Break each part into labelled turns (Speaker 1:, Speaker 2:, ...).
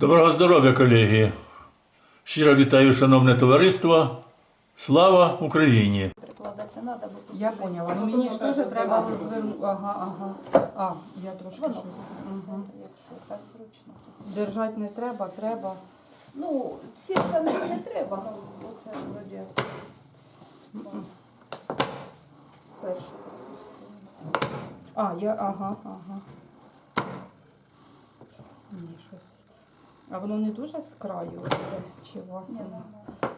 Speaker 1: Доброго здоров'я, колеги! Щиро вітаю, шановне товариство. Слава Україні!
Speaker 2: Прикладати треба, бо тут
Speaker 3: Я
Speaker 2: вже-
Speaker 3: поняла.
Speaker 2: Ну,
Speaker 3: Мені ж
Speaker 2: воно
Speaker 3: теж
Speaker 2: так
Speaker 3: треба
Speaker 2: вибиває.
Speaker 3: розвернути. Ага. Я трошки
Speaker 2: Воно,
Speaker 3: щось. Угу.
Speaker 2: якщо так зручно.
Speaker 3: Держати не треба, треба.
Speaker 2: Ну, ці штани не треба, ну, оце вроді. Першу пропустила.
Speaker 3: Ага. Ні, щось. А воно не дуже з краю? Це? Чи у вас
Speaker 2: Ні,
Speaker 3: воно?
Speaker 2: нормально.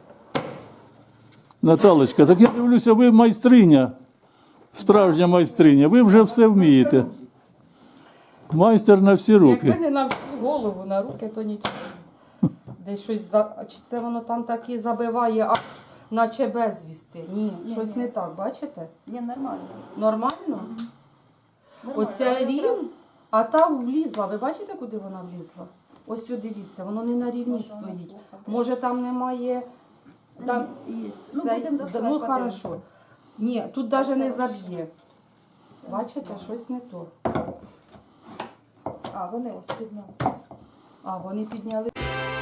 Speaker 1: Наталочка, так я дивлюся, ви майстриня, справжня майстриня. Ви вже все вмієте. Майстер на всі
Speaker 3: Якби
Speaker 1: руки.
Speaker 3: не на всю голову, на руки, то нічого. Десь щось чи це воно там так і забиває, наче безвісти? Ні, щось
Speaker 2: Ні.
Speaker 3: не так, бачите?
Speaker 2: Ні, нормально.
Speaker 3: Нормально?
Speaker 2: Нормально.
Speaker 3: Оця
Speaker 2: Але
Speaker 3: рівень,
Speaker 2: якраз
Speaker 3: а та влізла. Ви бачите, куди вона влізла? Ось сюди, дивіться, воно не на рівні
Speaker 2: Може, воно
Speaker 3: стоїть.
Speaker 2: плохо.
Speaker 3: Може там немає. Там
Speaker 2: Є. Ну,
Speaker 3: все-
Speaker 2: будемо доставати,
Speaker 3: ну
Speaker 2: подивимося.
Speaker 3: хорошо. Ні, тут навіть не
Speaker 2: Це
Speaker 3: заб'є. Бачите, щось не то.
Speaker 2: А, вони ось піднялися.
Speaker 3: А, вони підняли.